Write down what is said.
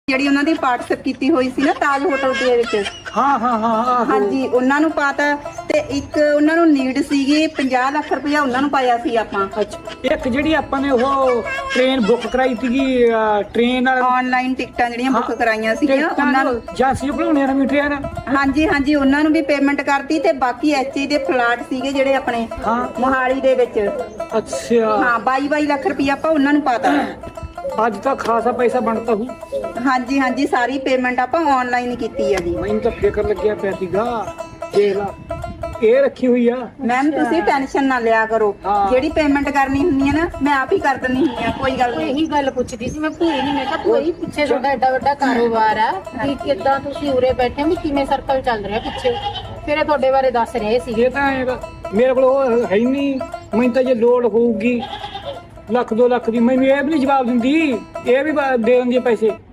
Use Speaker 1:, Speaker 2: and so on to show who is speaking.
Speaker 1: ਜਿਹੜੀ ਉਹਨਾਂ ਦੀ ਪਾਰਟਿਸਿਪੇਟ ਕੀਤੀ ਹੋਈ ਸੀ ਨਾ ਤਾਜ ਹੋਟਲ ਦੇ ਵਿੱਚ।
Speaker 2: ਹਾਂ
Speaker 1: ਹਾਂਜੀ ਉਹਨਾਂ ਨੂੰ ਪਾਤਾ ਤੇ ਇੱਕ ਉਹਨਾਂ ਨੂੰ ਨੀਡ ਸੀਗੀ 50 ਲੱਖ ਰੁਪਇਆ ਉਹਨਾਂ ਨੂੰ ਪਾਇਆ ਸੀ ਆਪਾਂ।
Speaker 2: ਅੱਛਾ ਇੱਕ ਜਿਹੜੀ ਆਪਾਂ ਨੇ ਉਹ ਟ੍ਰੇਨ ਬੁੱਕ ਕਰਾਈ ਸੀਗੀ ਟ੍ਰੇਨ ਨਾਲ
Speaker 1: ਆਨਲਾਈਨ ਟਿਕਟਾਂ ਜਿਹੜੀਆਂ ਬੁੱਕ ਕਰਾਈਆਂ ਸੀਗੀਆਂ ਉਹਨਾਂ ਨੂੰ
Speaker 2: ਜਾਂਸੀ ਬਣਾਉਣੇ ਆ ਟ੍ਰੇਨ।
Speaker 1: ਹਾਂਜੀ ਉਹਨਾਂ ਨੂੰ ਵੀ ਪੇਮੈਂਟ ਕਰਤੀ ਤੇ ਬਾਕੀ ਐਚਏ ਦੇ ਫਲਾਟ ਸੀਗੇ ਜਿਹੜੇ ਆਪਣੇ ਮੋਹਾਲੀ ਦੇ ਵਿੱਚ।
Speaker 2: ਅੱਛਾ
Speaker 1: ਹਾਂ 22 ਲੱਖ ਰੁਪਇਆ ਆਪਾਂ ਉਹਨਾਂ ਨੂੰ ਪਾਤਾ।
Speaker 2: ਅੱਜ ਤਾਂ ਖਾਸਾ ਪੈਸਾ ਬਣਦਾ ਹੂ।
Speaker 1: ਹਾਂਜੀ ਸਾਰੀ ਪੇਮੈਂਟ ਆਪਾਂ ਆਨਲਾਈਨ ਕੀਤੀ ਆ ਜੀ।
Speaker 2: ਮੈਨੂੰ ਤਾਂ ਫਿਕਰ ਲੱਗਿਆ ਪਿਆ ਸੀਗਾ ਦੇਖ ਲਾ ਇਹ ਰੱਖੀ ਹੋਈ ਆ।
Speaker 1: ਮੈਮ ਤੁਸੀਂ ਟੈਨਸ਼ਨ ਨਾ ਲਿਆ ਕਰੋ ਜਿਹੜੀ ਪੇਮੈਂਟ ਕਰਨੀ ਹੁੰਦੀ ਹੈ ਨਾ ਮੈਂ ਆਪ ਹੀ ਕਰ ਦਿੰਦੀ ਹੁੰਦੀ ਆ ਕੋਈ ਗੱਲ ਨਹੀਂ।
Speaker 3: ਇਹੀ ਗੱਲ ਪੁੱਛਦੀ ਸੀ ਮੈਂ ਭੂਈ ਨਹੀਂ ਮੈਂ ਕਿਹਾ ਭੂਈ ਪਿੱਛੇ ਤੁਹਾਡਾ ਐਡਾ ਵੱਡਾ ਕਾਰੋਬਾਰ ਆ ਕਿ ਕਿੱਦਾਂ ਤੁਸੀਂ ਉਰੇ ਬੈਠੇ ਵੀ ਕਿਵੇਂ ਸਰਕਲ ਚੱਲ ਰਿਹਾ ਪਿੱਛੇ ਫਿਰ ਇਹ ਤੁਹਾਡੇ ਬਾਰੇ ਦੱਸ ਰਹੇ ਸੀ।
Speaker 2: ਇਹ ਤਾਂ ਮੇਰੇ ਕੋਲ ਉਹ ਹੈ ਹੀ ਨਹੀਂ। ਮੈਨੂੰ ਤਾਂ ਜੇ ਲੋੜ ਹੋਊਗੀ 1 ਲੱਖ 2 ਲੱਖ ਦੀ ਮੈਨੂੰ ਇਹ ਵੀ ਨਹੀਂ ਜਵਾਬ ਦਿੰਦੀ ਇਹ ਵੀ ਦੇ ਦਿੰਦੀ ਪੈਸੇ।